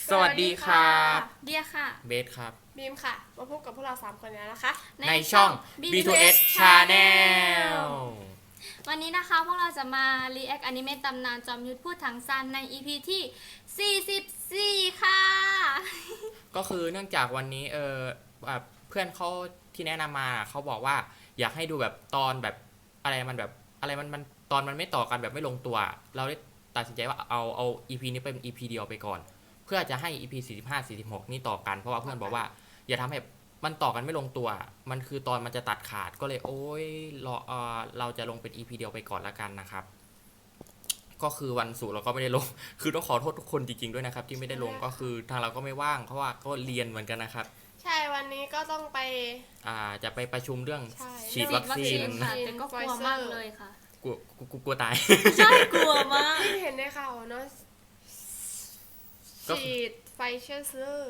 สวัสดีครับเดียค่ะเบสครับบีมค่ะมาพบกับพวกเรา3คนแล้วนะคะในช่อง B2S Channel วันนี้นะคะพวกเราจะมา react อนิเมะตำนานจอมยุทธพูดถังซานใน EP ที่ 44 ค่ะก็คือเนื่องจากวันนี้เพื่อนเขาที่แนะนำมาเขาบอกว่าอยากให้ดูแบบตอนแบบอะไรมันตอนมันไม่ต่อกันแบบไม่ลงตัวเราได้ตัดสินใจว่าเอา EP นี้เป็น EP เดียวไปก่อนเพื่อจะให้ EP 45 46นี่ต่อกันเพราะว่าเพื่อนบอกว่าอย่าทำให้มันต่อกันไม่ลงตัวมันคือตอนมันจะตัดขาดก็เลยโอ๊ยเราจะลงเป็น EP เดียวไปก่อนละกันนะครับก็คือวันศุกร์เราก็ไม่ได้ลงคือต้องขอโทษทุกคนจริงๆด้วยนะครับที่ไม่ได้ลงก็คือทางเราก็ไม่ว่างเพราะว่าก็เรียนเหมือนกันนะครับใช่วันนี้ก็ต้องไปจะไปประชุมเรื่องใช่ฉีดวัคซีนค่ะแต่ก็กลัวมากเลยค่ะกลัวตายใช่กลัวมากที่เห็นในข่าวเนาะก็ฉีดไฟเซอร์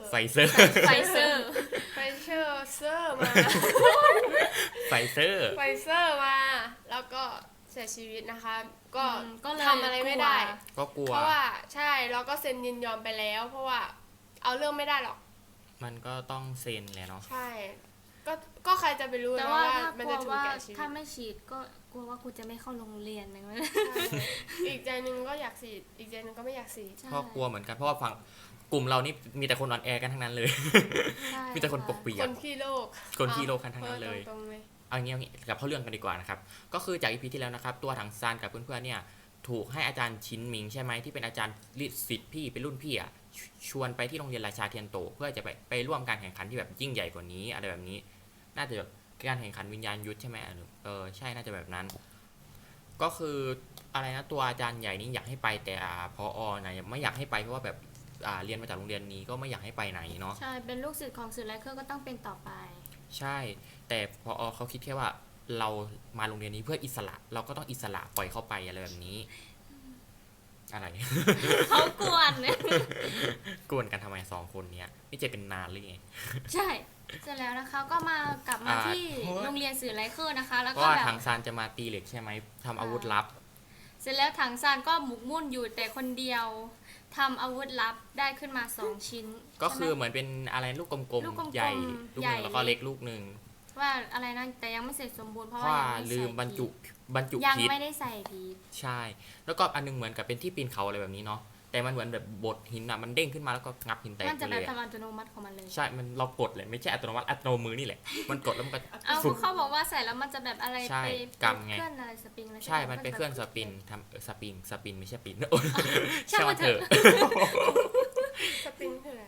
ไฟเซอร์ไฟเซอร์ไฟเซอร์มาไฟเซอร์ไฟเซอร์มา แล้วก็เสียชีวิตนะคะ ก็ก็เลยทำอะไรไม่ได้ก็กลัวเพราะว่าใช่เราก็เซ็นยินยอมไปแล้ว เพราะว่าเอาเรื่องไม่ได้หรอกมันก็ต้องเซ็นแหละเนาะใช่ ก็ใครจะไปรู้แต่นะว่าว่าถ้ามันกลัจะวถูกว่าแก่ชีวิตถ้าไม่ฉีดก็กลัวว่ากูจะไม่เข้าโรงเรียนนะใช่อีกใจหนึงก็อยากฉีดอีกใจหนึงก็ไม่อยากฉีดเพราะกลัวเหมือนกันเพราะว่าฝั่งกลุ่มเรานี่มีแต่คนอ่อนแอกันทั้งนั้นเลยใช่มีแต่คนปกเปียคกนขี้โรคคนขี้โลกกันทั้งนั้นเลยตรงๆเลยเอางี้กลับเข้าเรื่องกันดีกว่านะครับก็คือจากอีพีที่แล้วนะครับตัวถังซานกับเพื่อนๆเนี่ยถูกให้อาจารย์ชินหมิงใช่ไหมที่เป็นอาจารย์ศิษย์พี่เป็นรุ่นพี่อ่ะชวนไปที่โรงเรียนราชาเทียนโตเพื่อจะไปร่วมการแข่งขันที่แบบยิ่งใหญ่กว่านี้อะไรแบบนี้ น่าจะแบบการแข่งขันวิญญาณยุทธใช่ไหมใช่น่าจะแบบนั้น ก็คืออะไรนะตัวอาจารย์ใหญ่นี่อยากให้ไปแต่พอนะไม่อยากให้ไปเพราะว่าแบบเรียนมาจากโรงเรียนนี้ก็ไม่อยากให้ไปไหนเนาะใช่เป็นลูกศิษย์ของสื่อไลเคอร์ก็ต้องเป็นต่อไปใช่แต่พอเขาคิดแค่ว่าเรามาโรงเรียนนี้เพื่ออิสระเราก็ต้องอิสระปล่อยเข้าไปอะไรแบบนี้ อะไรเขากวนเนี่ยกวนกันทำไม2 คนเนี้ยนี่จะเป็นนานหรือไงใช่เสร็จแล้วนะคะก็กลับมาที่โรงเรียนสื่อไลเคอร์นะคะ แล้วเพราะก็ว่าแบบทางซานจะมาตีเหล็กใช่ไหมทำอาวุธลับเสร็จแล้วถังซานก็หมกมุ่นอยู่แต่คนเดียวทำอาวุธลับได้ขึ้นมา2 ชิ้นก็คือใช่ไหมเหมือนเป็นอะไรลูกกลมลูกกลมๆๆใหญ่ลูกหใหญ่นึ่งแล้วก็เล็กลูกหนึ่งว่าอะไรนะแต่ยังไม่เสร็จสมบูรณ์เพเพราะราะว่าว่ายังไม่ลืมใส่บรรจุพีชยังพิษไม่ได้ใส่พีชใช่ แล้วก็อันนึงเหมือนกับเป็นที่ปีนเขาอะไรแบบนี้เนาะแต่มันเหมือนแบบบดหินอ่ะมันเด้งขึ้นมาแล้วก็งับหินแตกมันไปจะแบเลบยทำอะอัตโนมัติของมันเลยใช่มันเรากดเลยไม่ใช่อัตโนมัติอัตโนมือนี่แหละมันกดแล้วมันก็เอาฟุบเขาบอกว่าใส่แล้วมันจะแบบอะไรใช่ไปกำไงเคลื่อนอะไรสปริงอะไรใช่ มันเป็นเครื่องสปินทำสปินไม่ใช่ปินช่างมันเถอะสปริงคืออะไร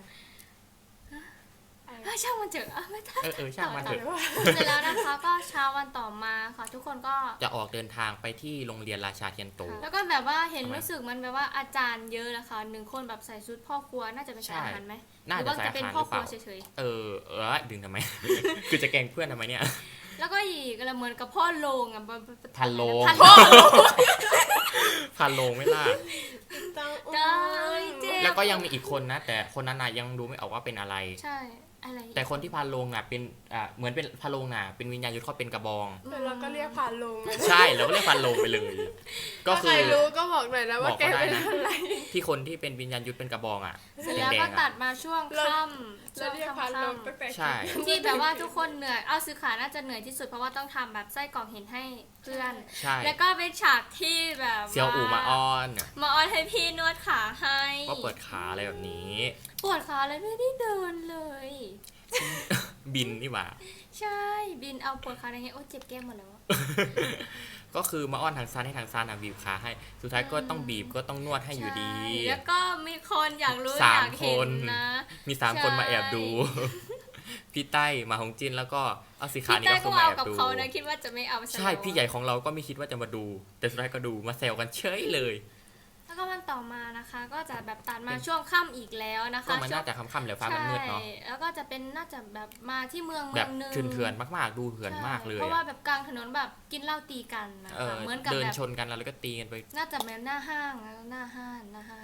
ช่างมันเถอะไม่ได้ช่างมันเถอะเสร็จแล้วนะคะก็เช้าวันต่อมาค่ะทุกคนก็จะออกเดินทางไปที่โรงเรียนราชาเทียนโตแล้วก็แบบว่าเห็นทำไมรู้สึกมันแบบว่าอาจารย์เยอะนะคะ1 คนแบบใส่ชุดพ่อครัวน่าจะเป็นใช่สายอาหารไหมหน่ารือจะว่าสายจะอาเป็นหารหพ่อรือคเปรัวล่าเฉยดึงทำไม คือจะแกล้งเพื่อนทำไมเนี่ยๆแล้วก็อีกเหมือนกับพ่อโลงอ่ะพันโลงพันโลงพันโลงไม่ล่ะได้เจ๊แล้วก็ยังมีอีกคนนะ แต่คนนั้นน่ะยังดูไม่ออกว่าเป็นอะไรใช่อะไรอีกแต่คนที่พันโลงอ่ะเป็นเหมือนเป็นพันโลงน่ะเป็นวิญญาณยุทธเขาเป็นกระบองแต่เราก็เรียกผ่านลงใช่เราก็เรียกพันโลงไปเลย ก็ถ้าคืใครอรู้ก็บอกหน่อยนะว่าบอกแกก็ได้เป็นนะอะไรที่คนที่เป็นวิญญาณยุทธเป็นกระบองอ่ะเสร็จแล้วแดก็งๆตัอ่ะดมาช่วงค่ำช่เราวงเรียกผ่านลงตั้งแต่ใช่ที่แบบว่าทุกคนเหนื่อยเอาซื้อขาน่าจะเหนื่อยที่สุดเพราะว่าต้องทำแบบไส้กรอกเห็นให้เพื่อนใช่แล้วก็เป็นฉากที่แบบเซียวอู่มาอ้อนมาออนให้พี่นวดขาให้ก็เปิดขาอะไรแบบนี้ปวดขาเลยไม่ได้เดินเลยบินนี่หว่าใช่บินเอาปวดขาอะไรเงี้ยโอ้เจ็บแก้มหมดแล้วก็คือมาอ้อนทางซานให้ทางซานอ่ะบีบขาให้ สุดท้ายก็ต้องบีบก็ต้องนวดให้อยู่ดีใช่แล้วก็มีคนอยากรู้สาอมยากเห็คน นนะมี3 คนมาแอบดู พี่ใต้มาฮงจินแล้วก็เอาสีขาพี่นี่ใต้ก็ก็คือมาเอาแอบกับดูเขานะคิดว่าจะไม่เอาใช่พี่ใหญ่ของเราก็ไม่คิดว่าจะมาดู แต่สุดท้ายก็ดูมาแซวกันเฉยเลยแล้วก็วันต่อมานะคะ ก็จะแบบตัดมาช่วงค่ำอีกแล้วนะคะก็มันน่าจะค่ำๆแล้วฟ้ามันมืดเนาะใช่แล้วก็จะเป็นน่าจะแบบมาที่เมืองแบบหนึงเถื่อนๆมากๆดูเถื่อนมากเลยเพราะว่าอะแบบกลางถนนแบบกินเหล้าตีกันนะคะเหมือนกับเดินแบบชนกันแล้วก็ตีกันไปน่าจะเหมือนหน้าห้างนะหน้าห้าง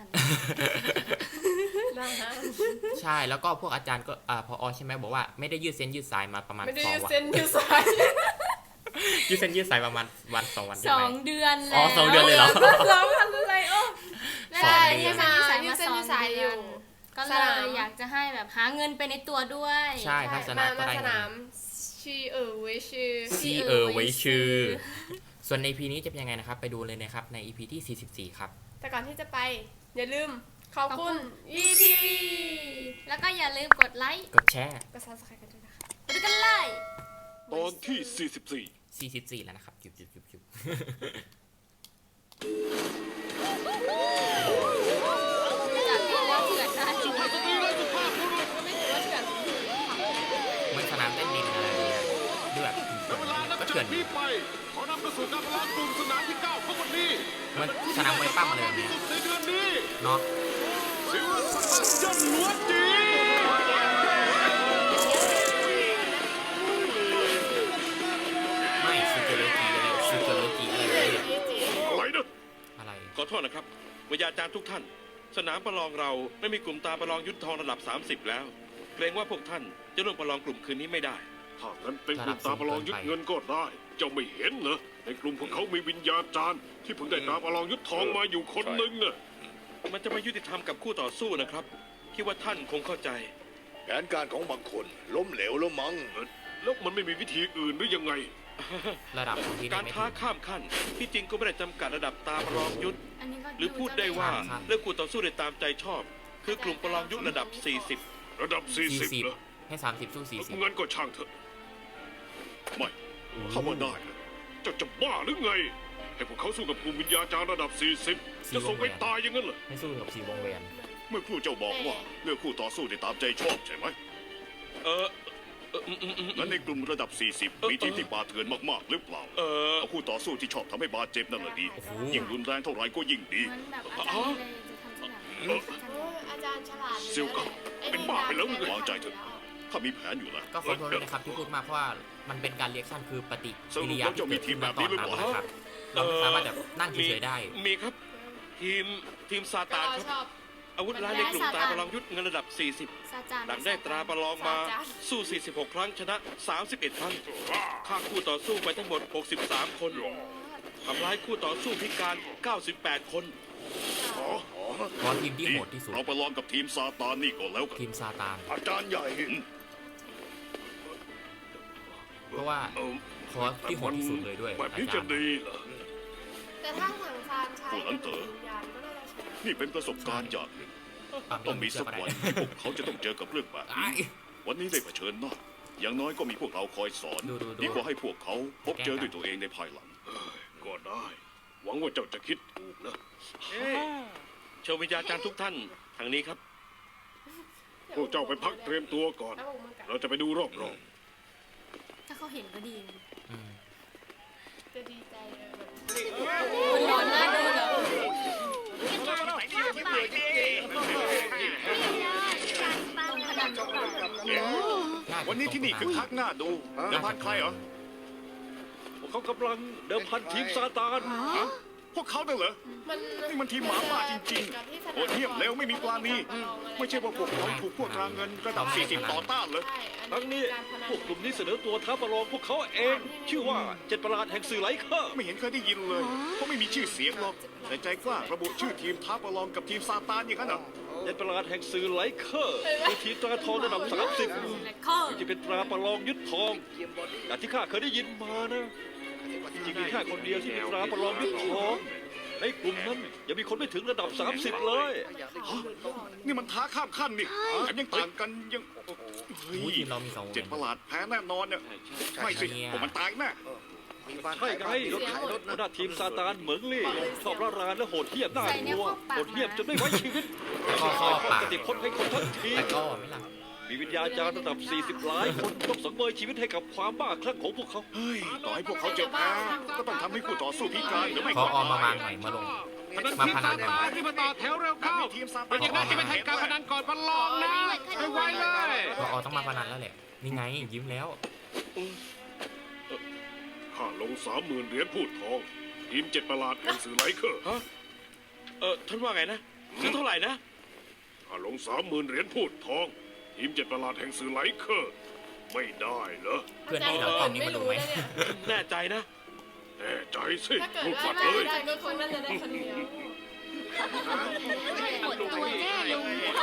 ใช่แล้วก็พวกอาจารย์ก็พอใช่ไหมบอกว่าไม่ได้ยืดเส้นยืดสายมาประมาณไม่ได้ 2 ยืดวันเส้นยืดสายยืดเส้นยืดสายประมาณวัน2 วันใช่สไหอมงเดือนอ๋แล้วอ2 เดือนเลยเหรอเราทำอะไรโอ้ไม่สองได้เดือนยืดเส้นยืดสายยืมาดเส้นสองยืดสายอเดือยู่ นก็เลสนามยอยากจะให้แบบหาเงินไปในตัวด้วยใช่ถ้าชนะก็มาได้สเงินาน มชีเวยชื่อซีไว้ชื่อ ส่วนใน EP นี้จะเป็นยังไงนะครับ ไปดูเลยนะครับใน EP ที่ 44 ครับแต่ก่อนที่จะไป อย่าลืมขอบคุณ ETV แล้วก็อย่าลืมกดไลค์กดแชร์กด subscribe กันด้วยนะคะไปดูกันเลยตอนที่ 44 แล้วนะครับจุบจากที่แล้วเถื่อนได้สุภาพสตรีและสุภาพบุรุษไม่ถือว่าเถื่อนเหมือนสนามเต้นดินอะไรอย่างเงี้ยดูแบบเวลานับก็จาเถื่อก นนี้ไป ขอนำไปสู่การประลองกลุ่มสนามที่ 9 ของวันนี้เหมันสนามมวยปั้มเลยเนี่ยในเดือนนี้เนาะศิลปะยันหัวจีไม่ซูเกโรจิอะไรซูเกโรจิอะไรเนี่ยอะไรนะอะไรขอโทษนะครับวิทยาจารย์ทุกท่าน สนามประลองเราไม่มีกลุ่มตาประลองยุทธทองระดับ 30 แล้ว เกรงว่าพวกท่านจะร่วมประลองกลุ่มคืนนี้ไม่ได้ถ้างั้นเป็นกลุ่มตาประลองยึดเงินก็ได้ เจ้าไม่เห็นเหรอในกลุ่มของเขามีวิญญาจารย์ ที่เพิ่งได้ตาประลองยึดทองมาอยู่คนหนึ่งน่ะมันจะไม่ยุติธรรมกับคู่ต่อสู้นะครับคิดว่าท่านคงเข้าใจแผนการของบางคนล้มเหลวแล้วมั้งแล้วมันไม่มีวิธีอื่นหรือยังไงระดับของที่ได้การไม่ท้าถึงข้ามขั้นที่จริงก็ไม่ได้จำกัดระดับตาประลองยุทธอันนี้ก็หรือพูดได้ว่าครับเลือกคู่ต่อสู้ได้ตามใจชอบ คือกลุ่มประลองยุทธระดับ 40 ระดับ 40เหรอ 40 ให้ 30 สู้ 40 เงินก็ช่างเถอะไม่ถ้าว่าได้นะเจ้าจะบ้าหรือไง ให้พวกเขาสู้กับกลุ่มวิญญาจารย์ระดับ 40 จะส่งไปตายอย่างนั้นเหรอให้สู้กับ4วงแหวนเมื่อครู่เจ้าบอกว่าเลือกคู่ต่อสู้ได้ตามใจชอบใช่ไหมเอออืมงั้นในกลุ่มระดับ 40 มีทีมที่บาดเถื่อนมากๆหรือเปล่า เอาคู่ต่อสู้ที่ชอบทำให้บาดเจ็บนั่นแหละดีโอ้โหยิ่งรุนแรงเท่าไหร่ก็ยิ่งดีเหมือนแบบอาจารย์เลยจะทำที่แบบอาจารย์ฉลาดซิลกับเป็นบ้าไปแล้ววางใจเถอะ ถ้ามีแผนอยู่นะก็ขอโทษด้วยนะครับที่พูดมากเพราะว่ามันเป็นการเรียกชั่นคือปฏิกิริยาสรุปแล้วเจ้ามีทีมแบบนี้หรือเปล่านะครับเราไม่สามารถแบบนั่งเฉยๆได้มีครับ ทีมซาก็ตานเราครับชอบอาวุธร้ายในกลุ่มตาประลองยุทธเงินระดับ 40 ซาจานหลังได้ตราประลองมาสู้ 46 ครั้งชนะ 31 ครั้งฆ่าคู่ต่อสู้ไปทั้งหมด 63 คนทำร้ายคู่ต่อสู้พิการ 98 คนเพราะทีมที่โหดที่สุดเราไปลองกับทีมซาตานนี่ก่อนแล้วกันทีมซาตานอาจารย์ใหญ่เพราะว่าคอร์สที่โหดที่สุดเลยด้วยแบบอานี้จาจะรย์ดีเหรอแต่ถ้าถังซานใช้ผู้หลังเต๋อวิญญาณก็น่าจะใช้นี่เป็นประสบการณ์อย่างหนึ่ง ต้องมีสักวันที่พวกเขาจะต้องเจอกับเรื่องแบบไอ้นี้ วันนี้ได้เผชิญหน้าอย่างน้อยก็มีพวกเราคอยสอนดูดีกว่าให้พวกเขาพบเจอด้วยตัวเองในภายหลังก็ได้ หวังว่าเจ้าจะคิดถูกนะเชิญวิญญาจารย์ทุกท่านทางนี้ครับพวกเจ้าไปพักเตรียมตัวก่อนแล้วผมมือกัดเราจะไปดูรอบถ้าเขาเห็นก็ดีนะอืมจะดีใจเลยแบบคนร้อนหน้าดูเหรอๆวันนี้ที่นี่คือคักหน้าดูเดิมพันใครเหรอเขากำลังเดิมพันทีมซาตานฮะพวกเขาเนี่ยเหรอ นี่มันทีมหมาป่าจริงๆโหดเหี้ยมเร็วไม่มีปราณีไม่ใช่ว่าพวกเขาถูกพวกรางเงินระดับ 40 ต่อต้านเลยครั้งนี้พวกกลุ่มนี้เสนอตัวท้าประลองพวกเขาเอง ชื่อว่าเจ็ดประหลาดแห่งสื่อไหลเคอร์ไม่เห็นเคยได้ยินเลยเขาไม่มีชื่อเสียงหรอกแต่ใจกล้าระบุชื่อทีมท้าประลองกับทีมซาตานอย่างนั้นเหรอเจ็ดประหลาดแห่งสื่อไหลเคอร์คือทีมตราทองระดับ 30 และข้อที่จะเป็นตราประลองยึดทองแต่ที่ข้าเคยได้ยินมานะจริงๆมีแค่คนเดียวที่เป็นตราประลองยึดทองในกลุ่มนั้นยังมีคนไม่ถึงระดับ 30 เลยนี่มันท้าข้ามขั้นนี่แถมยังต่างกันยังเฮ้มูยทีมเรามี2วงแหวเจ็ดนประหลาดแพ้แน่นอนเนี่ยไม่สิผมมันตายแน่ใช่ไงหัวหน้าทีมซาตานเหมิงลี่ชอบระรานและโหดเหี้ยมน่ากลัวโหดเหี้ยมจนไม่ไว้ชีวิตก็เข้าปากจะติดคนให้คนทั้งทีแต่ก็ไม่ล่ะมีวิญญาจารย์ระดับ 40 ล้านคนต้องสังเวยชีวิตให้กับความบ้าคลั่งของพวกเขาเฮ้ยต่อให้พวกเขาจะแพ้ก็ต้องทำให้คู่ต่อสู้พิการหรือไม่พอออกมาวางหน่อยมาลงมาพนันหน่อยที่มาต่อแถวเร็วเข้าทีมซาตานยังไงจะไม่ให้การพนันก่อนประลองนะไวๆเลยพออต้องมาพนันแล้วแหละนี่ไงยิ้มแล้วข้าลง 30,000 เหรียญพูดทองทีมเจ็ดประหลาดแห่งสื่อไหลเคอร์ฮะท่านว่าไงนะซื้อเท่าไหร่นะข้าลง 30,000 เหรียญพูดทองทีมเจ็ดประหลาดแห่งสื่อไหลเคอร์ไม่ได้เหรอเพื่อนที่เรากล้องนี้มาดูไหมแน่ใจนะแน่ใจสิถ้าเกิดพูดว่าปัดได้เลยได้ก็คนน่าจะได้คนเดียวหมดตัวแน่ลุงข้า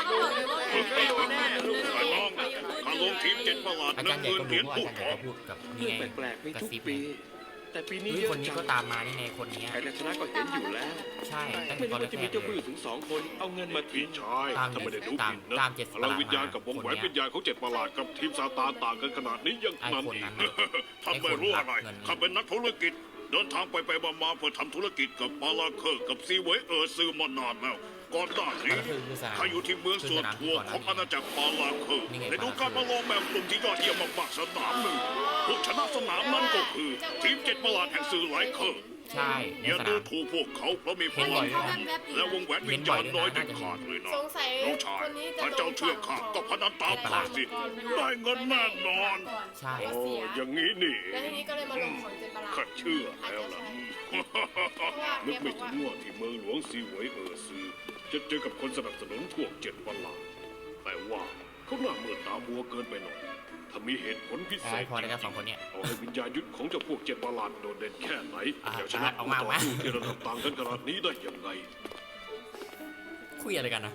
ลงทีม7ประหลาดอาจารย์ใหญ่ก็ 10,000 เหรีรู้ยญว่าพูอาดจารย์ใหญ่พร้อมก็พูดกับนี่เรื่องไงแปลกๆมีกระทุกซิบปี แต่ปีนี้เฮ้ยเยอะคนนี้จังก็ตามมานี่ไงคนเนี้ยใครจะชนะก็เห็นอยู่แล้วใช่ตั้งแต่ไม่ตอนรู้ว่าจะแรมีกๆเจ้าเลผู้หยญิงถึง2 คนเอาเงินมาพี่ทิ้งชายตามถ้าไม่ได้ดูผิดนะตามเจ็ดพลังวิญญาณประหลาดกับวงแหวนคนเนี้ยวิญญาณของ7ประหลาดกับทีมซาตานต่างกันขนาดนี้ยังไอ้นั้นคนอีนั้กนน่ะทำไม่รู้อะไรไอ้คนรับเงินข้าเป็นนักธุรกิจ เดินทางไปมาเพื่อทำธุรกิจกับปาลาเคอร์กับซีเวยซื้อมานานแล้วก่อนหน้านี้ก็คือสนามข้าอยู่ที่เมืองส่วนทัวของอาณาจักรปาลาเคอร์นี่ไงได้ดูการประลองแบบกลุ่มที่ยอดเยี่ยมมากๆสนามหนึ่งผู้ชนะสนามนั้นก็คือ ทีม7ประหลาดแห่งสื่อไลเคอร์ใช่ในอย่าสดูนามถูกพวกเขาเพราะมีพเห็นบ่ลัอง ยด้วยนะและวงแหวนวิญญาณน้อยเด็ดขาดเลยนะสงสัยน้องชายคนนี้จะถ้าเจ้าเชื่อข้าก็พนันตามข้าสิ ได้เงินแน่นอนใช่โอ้อย่างนี้นี่แล้วทีนี้ก็เลยมาลงของเจ็ดประหลาดข้าเชื่อแล้วล่ะอาจจะใช่นึกไม่ถึงว่าที่เมืองหลวงซีเหวยซื้อจะเจอกับคนสนับสนุนพวก7ประหลาดแต่ว่าเขาหน้ามืดตามัวเกินไปหน่อยถ้ามีเหตุผลพิเศไอ้ษพอได้กัน2คนเนี้ยเอาให้วิญญาณยุทธของเจ้าพวก7ประหลาดโดดเด่นแค่ไหนอ่ะจะชนะออกผู้มาต่อสู้ที่ระดับต่างกันขนาดนี้ได้ยังไงคุยอะไรกันนะ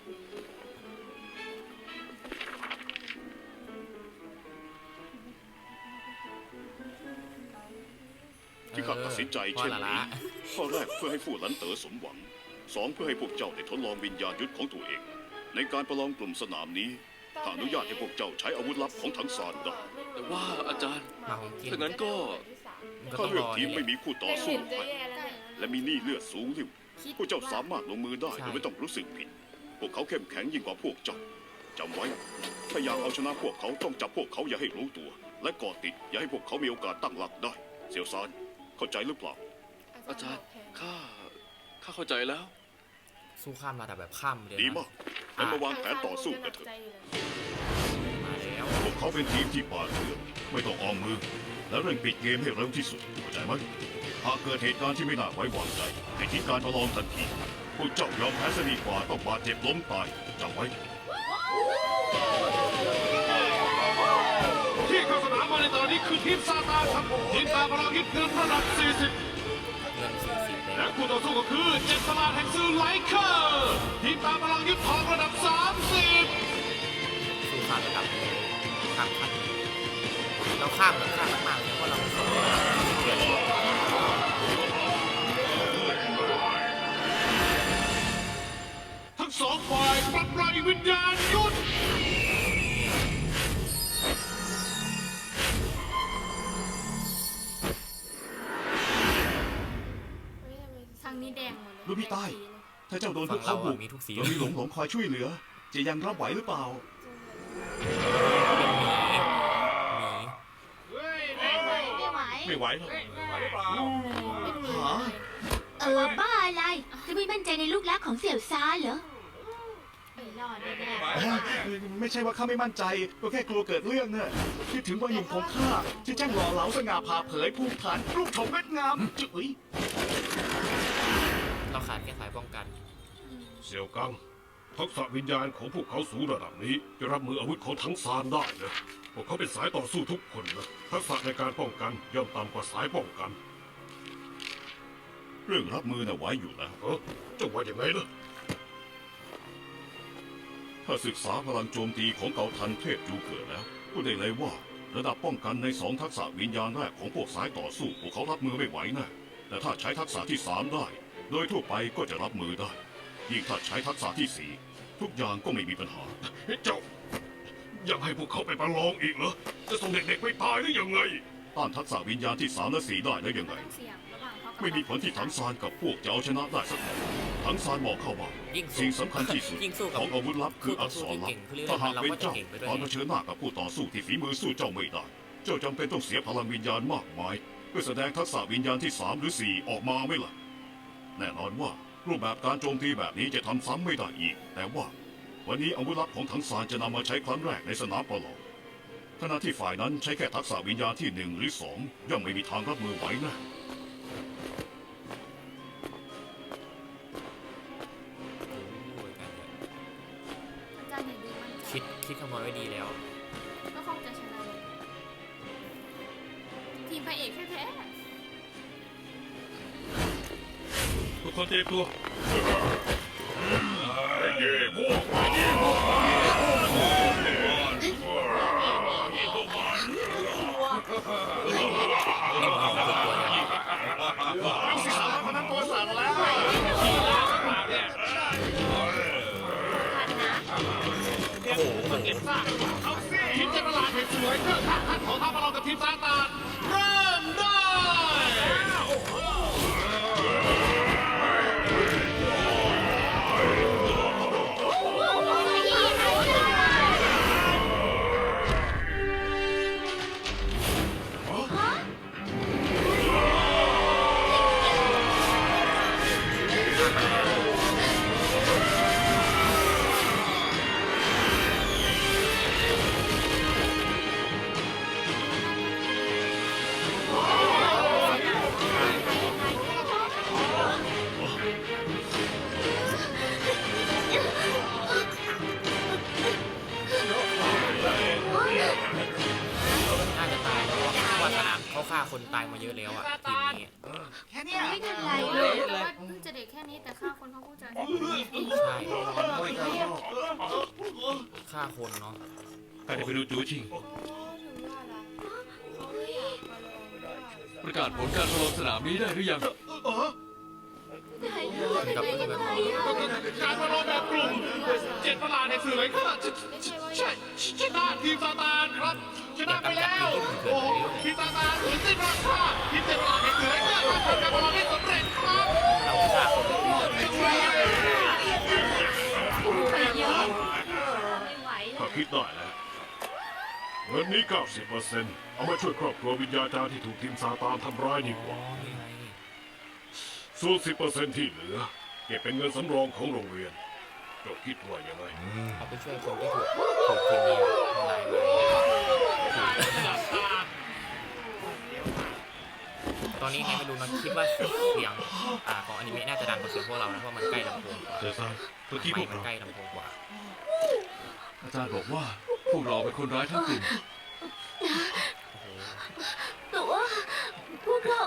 ที่ข้าตัดสินใจเช่นนี้ข้อแรกเพื่อให้ฟู่หลันเต๋อสมหวัง2เพื่อให้พวกเจ้าได้ทดลองวิญญาณยุทธของตัวเอง ในการประลองกลุ่มสนามนี้ถ้าอนุญาตให้พวกเจ้าใช้อาวุธลับของทั้งซานได้แต่ว่าอาจารย์มาของกินถ้างั้นก็มันก็ถ้าต้องเลืรอกอทีมนี่แหไม่ละมีคู่ต่อแต่สู้เห็นจะให้แย่แล้วเนี่ยและมีหนี้เลือดสูงริ้วพวกเจ้าสามารถลงมือได้ใช่โดยไม่ต้องรู้สึกผิด พวกเขาเข้มแข็งยิ่งกว่าพวกเจ้าจำไว้ ถ้าอยากเอาชนะพวกเขาต้องจับพวกเขาอย่าให้รู้ตัว และก่อติดอย่าให้พวกเขามีโอกาสตั้งหลักได้ เสี่ยวซานเข้าใจหรือเปล่าอาจารย์ข้าเข้าใจแล้วสู้ข้ามระดับแบบข้ามเลยดีนะมากงั้นมาวางแผนต่อสู้กันเถอะมาแล้วพวกเขาเป็นทีมที่ป่าดเถื่อนไม่ต้องออมมือ และเร่งปิดเกมให้เร็วที่สุดเข้าใจไหมหากเกิดเหตุการณ์ที่ไม่น่าไว้วางใจให้ทิ้งการประลองทันทีพวกเจ้ายอมแพ้ซะดีกว่าต้องบาดเจ็บล้มตายจำไว้ที่เข้าสนามมาในตอนนี้คือทีมซาตานครับทีมตาพลังฮิตเงินระดับ 40 เงิน40เลยและคู่ต่อสู้ก็คือ7ประหลาดแห่งซื้อไลเคอร์ทีมตาพลังยึดทองระดับ 30 สู้ข้ามระดับข้ามขั้นเราข้ามแบบข้ามมากๆเลยเพราะเราสองเดือนทั้งสองฝ่ายปรับปรายวิญญาณยุทธทางนี้แดงหมดเลยลูกพี่ใต้ ถ้าเจ้าโดนพฝั่วงกเราเขาบุอะกมีทุกสีเรามีหลงคอยช่วยเหลือ จะยังรับไหวหรือเปล่าเป็นหมีไม่ไหวไม่ไหวหรอกหาบ้าอะไร จะไม่มั่นใจในลูกรักของเสี่ยวซาเหรอไม่รอดแน่ๆไม่ใช่ว่าข้าไม่มั่นใจ ก็แค่กลัวเกิดเรื่องเน่ะคิดถึงวัยหนุ่มของข้าที่ช่างหล่อเหลาสง่าผ่าเผยภูมิฐานรูปโฉมงดงามจุ๋ยเราขาดแค่สายป้องกันเสี่ยวกังทักษะวิญญาณของพวกเขาสูงระดับนี้จะรับมืออาวุธของทั้งซานได้นะพวกเขาเป็นสายต่อสู้ทุกคนนะทักษะในการป้องกันย่อมต่ำกว่าสายป้องกัน เรื่องรับมือน่ะไว้อยู่แล้วจะว่าอย่างไงล่ะถ้าศึกษาพลังโจมตีของเกาทันเทพจูเกิดแล้วก็ได้เลยว่าระดับป้องกันใน2ทักษะวิญญาณแรกของพวกสายต่อสู้พวกเขารับมือไม่ไหวนะแต่ถ้าใช้ทักษะที่3ได้โดยทั่วไปก็จะรับมือได้ยิ่งถ้าใช้ทักษะที่4ทุกอย่างก็ไม่มีปัญหาเจ้ายังให้พวกเขาไปประลองอีกเหรอจะส่งเด็กๆไปตายหรือยังไงต้านทักษะวิญญาณที่3และ4ได้แล้วยังไงเสียงระหว่างเขากับไม่มีผลที่ถังซานกับพวกจะเอาชนะได้สักหน่อยถังซานบอกเข้าว่ายิ่งสู้สิ่งสำคัญที่สุดยิ่งสู้กับของอาวุธลับคืออักษรลับคู่ต่อสู้ที่เก่งถ้าหากเป็นเราก็จะเจ้าเก่งไปด้วยตอนเผชิญหน้ากับผู้ต่อสู้ที่ฝีมือสู้เจ้าไม่ได้ เจ้าจำเป็นต้องเสียพลังวิญญาณมากมายเพื่อแสดงทักษะวิญญาณที่3หรือ4ออกมาไม่ล่ะแน่นอนว่ารูปแบบการโจมตีแบบนี้จะทำซ้ำไม่ได้อีก แต่ว่าวันนี้อาวุธลับของถังซานจะนำมาใช้ครั้งแรกในสนามประลองขณะที่ฝ่ายนั้นใช้แค่ทักษะวิญญาณที่1หรือ2ย่อมไม่มีทางรับมือไหวแน่อาจารย์อย่าดูมันใจคิดคำนวณไว้ดีแล้วก็คงจะชนะเลยทีมพระเอกแท้ทุกคนเตรียมตัวคนนั้นตัวสั่นแล้วเอาสิทีมเจ็ดประหลาดเห็นสวยเพื่อข้าขันของท่าประลองกับทีมซาตานเริ่มได้น่าจะตายแล้วเพราะว่าสนามเขาฆ่าคนตายมาเยอะแล้วอ่ะทีมนี้แค่เนี้ยไม่เป็นไรแต่ว่าเพิ่งจะเด็กแค่นี้แต่ฆ่าคนเขาเพิ่งจะใช่ฆ่าคนเนาะข้าจะไปดูจูชิงประกาศผลการประลองสนามนี้ได้หรือยังกับเพื่อนกันการประลองแบบกลุ่มเจ็ดประหลาดเห็นสวยข้าชนะทีมซาตานครับชนะไปแล้ว โอ้ทีมซาตานถึงได้ราคาทีมเจ็ดประหลาดเห็นสวยข้าทำผลการประลองได้สำเร็จครับเราฆ่าคนถ้าคิดได้แล้วเงินนี้ 90% เอามาช่วยครอบครัววิญญาจารย์ที่ถูกทีมซาตานทำร้ายดีกว่า ส่วน 10% ที่เหลือ เก็บเป็นเงินสำรองของโรงเรียนเจ้าคิดว่ายังไงเอาไปช่วยคนที่ถูกทีมนี้ทำร้ายมาตอนนี้ไงไม่รู้นะคิดว่าเสียงของอนิเมะน่าจะดังกว่าเสียงพวกเรานะเพราะมันใกล้ลำโพงกว่าเจสันเมื่อกี้พไม่วกมันเราใกล้ลำโพงกว่าอาจารย์บอกว่าพวกเราเป็นคนร้ายทั้งกลุ่มแต่ว่าพวกเรา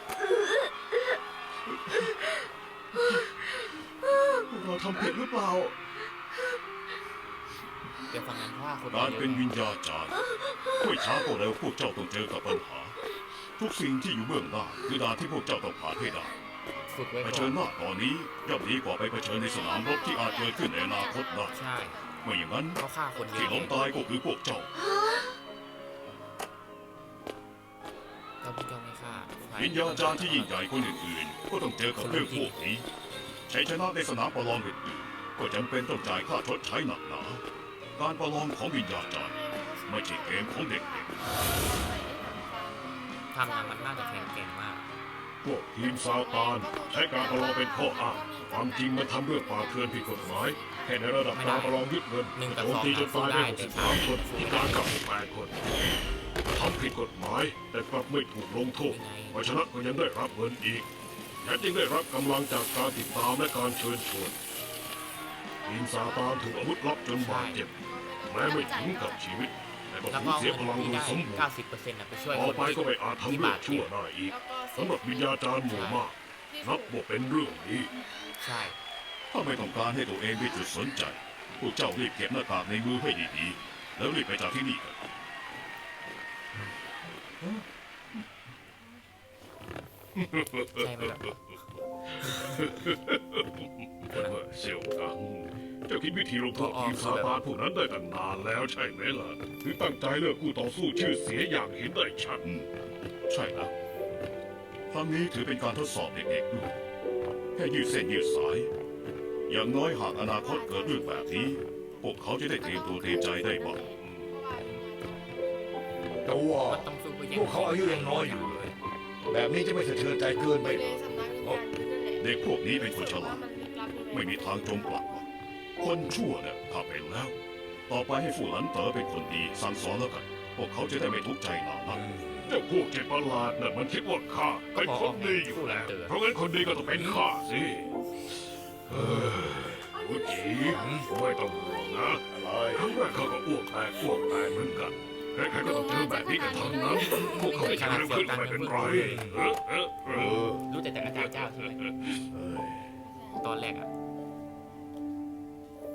เราทำผิดหรือเปล่าเดี๋ยวฟังนั้นเพราะว่าคนการเป็นวิญญาจารย์ไม่ช้าก็เร็วพวกเจ้าต้องเจอกับปัญหา ทุกสิ่งที่อยู่เบื้องหน้าคือด่านที่พวกเจ้าต้องผ่านให้ได้ฝึกไว้เผก่ชิอญนหน้าตอนนี้ย่อมดีกว่าไปเผชิญในสนามรบที่อาจเกิดขึ้นในอนาคตได้ใช่ไม่อย่างนั้นเขาฆ่าคนเยที่อะล้มตายก็คือพวกเจ้าเราพี่เจ้าไม่ฆ่าวิญญาจารย์ที่ยิ่งใหญ่คนอื่นๆ ก็ต้องเจอกับเรื่องพวกนี้ชัยชนะในสนามประลองอื่นๆก็จำเป็นต้องจ่ายค่าชดใช้หนักหนา การประลองของวิญญาจารย์ไม่ใช่เกมของเด็กทำนะมันน่าจะแข็งเก่งมากๆ พวกทีมซาตานใช้การประลองเป็นข้ออ้างความจริงมันทำเรื่องป่าเถื่อนผิดกฎหมายแค่ในระดับการประลองยึดเงินหนึ่งกับโจมตีจนตายได้สอง 63 คนมีการกลับ8 คนทำผิดกฎหมายแต่กลับไม่ถูกลงโทษเพราะฉะนั้นก็ยังได้รับเงินอีกแถมยังได้รับกำลังจากการติดตามและการเชิญชวนทีมซาตานถูกอาวุธลับจนบาดเจ็บแม้ไม่ถึงกับชีวิตแต่ก็แล้วสูก็ญเสียพลังเงินโดที่ยได้สมบูรณ์ 90%นะไปช่วยต่อคนไปก็ไม่อาจทำที่เรื่อบาง ดชั่เจ็วบได้อีกสำหรับวิญญาจารย์หมู่มากนับว่าเป็นเรื่องดีใช่ถ้าไม่ต้องการให้ตัวเองเป็นจุดสนใจพวกเจ้ารีบเก็บหน้ากากในมือให้ดีๆแล้วรีบไปจากที่นี่กันใช่ไหมแบบเสี่ยวกังเจ้าคิดวิธีลงโทษทีมซาตานพวกนั้นได้ตั้งนานแล้วใช่ไหมล่ะถึงตั้งใจเลิกคู่ต่อสู้ชื่อเสียอย่างเห็นได้ชัดใช่แล้วครั้งนี้ถือเป็นการทดสอบเด็กๆด้วยแค่ยืดเส้นยืดสาย อย่างน้อยหากอนาคตเกิดเรื่องแบบนี้ พวกเขาจะได้เตรียมตัวเตรียมใจได้บ้างแต่ว่ามันต้องสู้เพื่อแย่งพวกเขาอายุยังน้อยอยู่เลย แบบนี้จะไม่สะเทือนใจเกินไปในหรอสำนักวิญญาณนั่นแหละเด็กพวกนี้เป็นคนฉลาดมันลึกลับยังไงไม่มีทางจมปลักหรอกคนชั่วเนี่ยข้าเป็นแล้ว ต่อไปให้ฟู่หลันเต๋อเป็นคนดีสั่งสอนแล้วกัน พวกเขาจะได้ไม่ทุกข์ใจหนานักเจ้าพวกเจ็ดประหลาดน่ะมันคิดว่าข้าเป็นคนดีอยู่แล้วเพราะงั้นคนดีก็ต้องเป็นข้าสิผู้จีไม่ต้องห่วงนะครั้งแรกข้าก็อ้วกแตกเหมือนกันใครๆก็ต้องเจอแบบนี้กันทั้งนั้นพวกเขาไม่ใช่เรื่องขึ้นก็ไม่เป็นไรรู้แต่อาจารย์เจ้าใช่ไหมตอนแรกอะ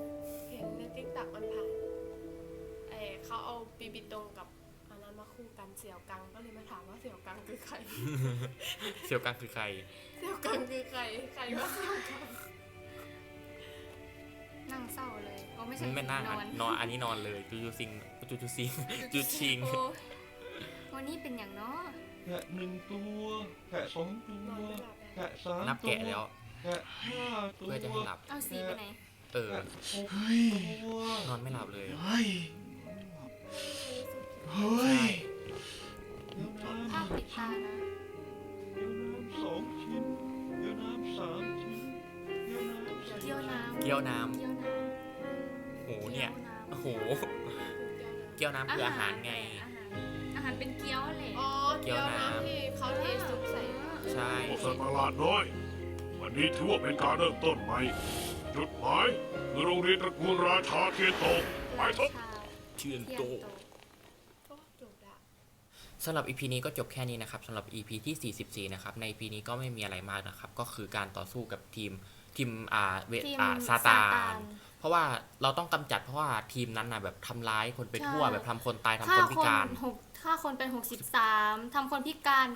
เขาเอาปีบิตงกับอันนั้นมาคู่กันเสี่ยวกังก็เลยมาถามว่าเสี่ยวกังคือใครเซียวกังคือใครเสี่ยวกังคือใครใครว่าเสี่ยวกังนั่งเศร้าเลยโอ้ไม่ใช่ไม่นั่งนอนนอนอันนี้นอนเลยจูซิงจูชิงโอ้วันนี้เป็นอย่างเนาะแกะ1 ตัวแกะ2 ตันวอนไม่หลับเลยแกะ3 นับแกะแล้วแกะ5 ตัวเพื่อจะให้หลับเอาสีไปไหนเออแกะ6 ตัวนอนไม่หลับเลยเฮ้ย เฮ้ใช่ยเดี๋ยวน้ภาพปิดตานะำ2 ชิ้นเดี๋ยวน้ำ3 ชิ้นเดี๋ยวน้ำเกี๊ยวน้ำเกี๊ยวน้ำเกี๊ยวน้โหำเนี่ยกี๊วำโอ้โห เกี๊ยวน้ำคืออาหารไงอาหารเป็นเกี๊ยวแหละอ๋อเกี๊ยวน้ำที่เขาเทซุปใส่ใช่พวกสัตว์ประหลาดน้อย วันนี้ถือว่าเป็นการเริ่มต้นใหม่ จุดหมายคือโรงเรียนตระกูลราชาเทียนโตไปเถอะชาเชื่อนเทียนโตโตก็จบละสำหรับ EP นี้ก็จบแค่นี้นะครับสำหรับ EP ที่ 44 นะครับ ใน EP นี้ก็ไม่มีอะไรมากนะครับ ก็คือการต่อสู้กับทีมซาตาน เพราะว่าเราต้องกำจัดเพราะว่าทีมนั้นนะแบบทำร้ายคนไปทั่วแบบทำคนตายทำคนพิการฆ่าคนเป็น63ทำคนพิการ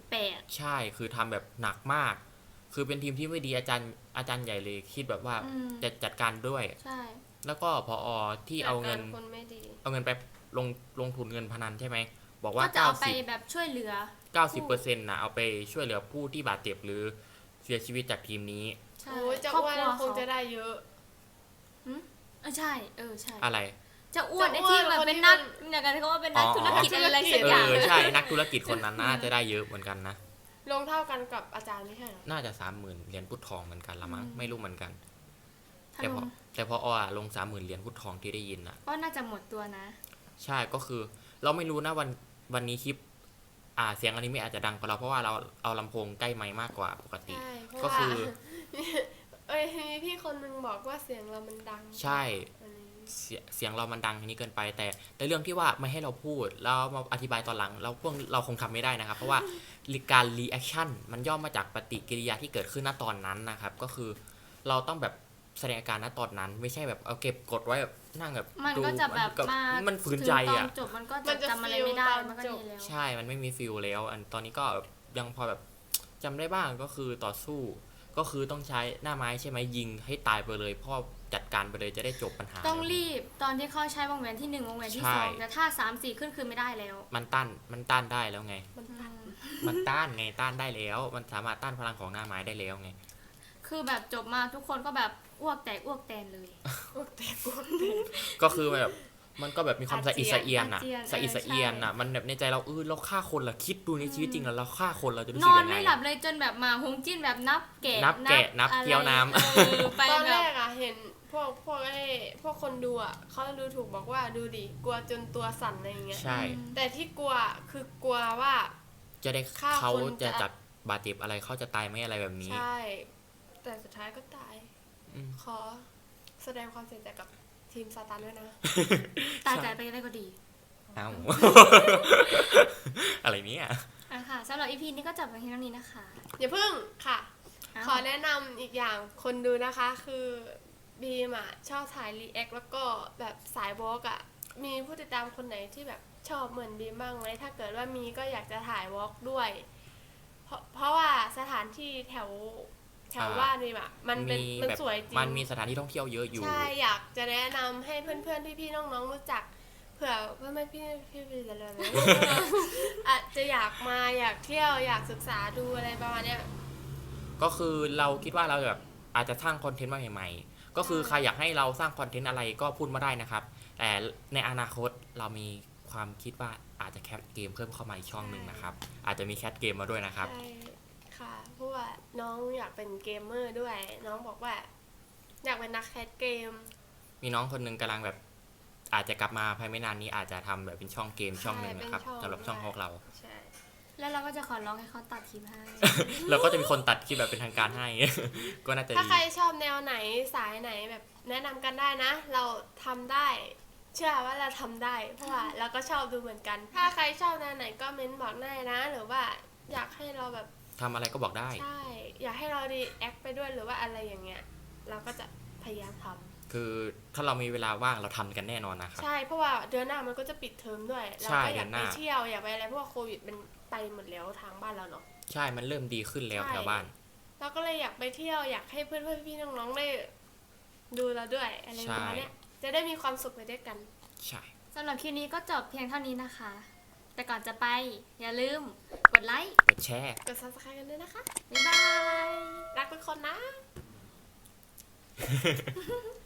98 ใช่คือทำแบบหนักมาก คือเป็นทีมที่ไม่ดีอาจารย์ใหญ่เลยคิดแบบว่าอืมจะจัดการด้วยใช่แล้วก็พอที่เอาเงินจัดกรคนไม่ดีเอาเงินไปลงทุนเงินพนันใช่ไหมบอกก็ว่าจะเอาไปแบบช่วยเหลือ 90%นะเอาไปช่วยเหลือผู้ที่บาดเจ็บหรือเสียชีวิตจากทีมนี้ใช่โอ้ยจะครอบอ้วนครัวคงจะได้เยอะใช่ใช่อะไรจะอ้วนจะไอ้อ้วนที่แบบคนเป็นที่นักมันอย่างกันเขาว่าเป็นนักอ๋อธุรกิจอะไรสักเออย่างอใช่นักธุรกิจคนนั้นน่าจะได้เยอะเหมือนกันนะลงเท่ากันกับอาจารย์ไม่ใช่เหรอน่าจะ 30,000 เหรียญพุทธทองเหมือนกันละมั้งไม่รู้เหมือนกันถ้าแต่ลพองลง 30,000 เหรียญพุทธทองที่ได้ยินอ่ะก็น่าจะหมดตัวนะใช่ก็คือเราไม่รู้นะวันนี้คลิปเสียงอันนี้ไม่อาจจะดังกว่าเราเพราะว่าเราเอาลำโพงใกล้ไมค์มากกว่าปกติใช่เพราะก็ว่าคือมีพี่คนนึงบอกว่าเสียงเรามันดังใช่อันนี้เสียงเรามันดังทีนี้เกินไปแต่เรื่องที่ว่าไม่ให้เราพูดแล้วมาอธิบายตอนหลังเราคงทำไม่ได้นะครับ เพราะว่าการรีแอคชั่นมันย่อมมาจากปฏิกิริยาที่เกิดขึ้นณตอนนั้นนะครับ ก็คือเราต้องแบบแสดงอาการณตอนนั้น ไม่ใช่แบบเอาเก็บกดไว้แบบนั่งแบบมันก็จะแบบมันฝืนใจถึงตออ่ะนจบมันก็จะจำอะไรไม่ได้มันก็ดีแล้วใช่มันไม่มีฟิลแล้วอันตอนนี้ก็ยังพอแบบจำได้บ้างก็คือต่อสู้ ก็คือต้องใช้หน้าไม้ใช่ไหมยิงให้ตายไปเลยพ่อจัดการไปเลยจะได้จบปัญหาต้องรีบตอนที่เขาใช้วงแหวนที่1วงแหวนที่ใช่ 2แต่ถ้า3 4ขึ้นคือไม่ได้แล้วมันต้านได้แล้วไงมันตัดมันต้านไงต้านได้แล้ว มันสามารถต้านพลังของหน้าไม้ได้แล้วไงคือแบบจบมาทุกคนก็แบบอ้วกแตกอ้วกแตนเลยพวกแต่กดก็คือแบบมันก็แบบมีความอาสะเจีอิยนสะเอียนอ่ะอาเจียนสะอิสะเอียนอ่ะมันแบบในใจเราเราฆ่าคนเหรอคิดดูในชีวิตจริงแล้วเราฆ่าคนเราจะรู้นสึกอนยังไงไม่หลับเลยจนแบบมาฮงจิ้นแบบนับแกะนับอะไรเกี๊ยวน้ำไปตอนแบแรบกอะเห็นพวกคนดูอะเขาดูถูกบอกว่าดูดิกลัวจนตัวสั่นอะไรอย่างเงี้ยใช่แต่ที่กลัวคือกลัวว่าจะได้ฆ่าเขาคนจะจะจับบาดเจ็บอะไรเขาจะตายไหมอะไรแบบนี้ใช่ แต่สุดท้ายก็ตายอืมขอแสดงความเสียใจกับทีมซาตานด้วยนะตายใจไปได้ก็ดีเอ้า อะไรเนี่ยค่ะสำหรับ EP นี้ก็จบไปเพียงเท่านี้นะคะอย่าพึ่งค่ะอ้าวขอแนะนำอีกอย่างคนดูนะคะคือบีมอะชอบถ่ายรีแอคแล้วก็แบบสายวอล์กอะมีผู้ติดตามคนไหนที่แบบชอบเหมือนบีมบ้างไหมถ้าเกิดว่ามีก็อยากจะถ่ายวอล์กด้วย เพราะว่าสถานที่แถวบ้านบีมอะมันมันแบบสวยจริงมันมีสถานที่ท่องเที่ยวเยอะอยู่ใช่อยากจะแนะนำให้เพื่อนๆพี่ๆน้องๆรู้จักเผื่อเพื่อนๆพี่ๆอะไรอาจจะอยากมาอยากเที่ยวอยากศึกษาดูอะไรประมาณเนี้ยก็คือเราคิดว่าเราแบบอาจจะสร้างคอนเทนต์มาใหม่ๆ ก็คือใครอยากให้เราสร้างคอนเทนต์อะไรก็พูดมาได้นะครับ แต่ในอนาคตเรามีความคิดว่าอาจจะแคสเกมเพิ่มเข้ามาอีกช่องหนึ่งนะครับ อาจจะมีแคสเกมมาด้วยนะครับใช่ค่ะเพราะว่าน้องอยากเป็นเกมเมอร์ด้วย น้องบอกว่า อยากเป็นนักแคสเกมมีน้องคนหนึงกำลังแบบอาจจะกลับมาภายไม่นานนี้อาจจะทำแบบเป็นช่องเกมช่องหนึ่งนะครับใช่เป็นช่องสำหรับช่องพวกเราใช่แล้วเราก็จะขอร้องให้เขาตัดคลิปให้เราก็จะมีคนตัดคลิปแบบเป็นทางการให้ ก็น่าจะถ้าดีใครชอบแนวไหนสายไหนแบบแนะนำกันได้นะ เราทำได้ เชื่อว่าเราทำได้ เพราะว่าเราก็ชอบดูเหมือนกัน ถ้าใครชอบแนวไหนก็เม้นบอกได้นะ หรือว่าอยากให้เราแบบทำอะไรก็บอกได้ใช่ อยากให้เรารีแอคไปด้วยหรือว่าอะไรอย่างเงี้ย เราก็จะพยายามทำคือถ้าเรามีเวลาว่างเราทำกันแน่นอนนะครับใช่เพราะว่าเดือนหน้ามันก็จะปิดเทอมด้วยเราใช่ก็อยากเดือนหไปน้าเที่ยวอยากไปอะไรเพราะว่าโควิดมันไปหมดแล้วทางบ้านเราเนาะใช่มันเริ่มดีขึ้นแล้วใช่แถวบ้านเราก็เลยอยากไปเที่ยวอยากให้เพื่อนๆพี่ๆน้องๆได้ดูเราด้วยอะไรประมาณเนี้ยจะได้มีความสุขไปด้วยกันใช่สำหรับคลิปนี้ก็จบเพียงเท่านี้นะคะ แต่ก่อนจะไปอย่าลืมกดไลค์กดแชร์กด subscribe กันด้วยนะคะบ๊ายบายรักทุกคนนะ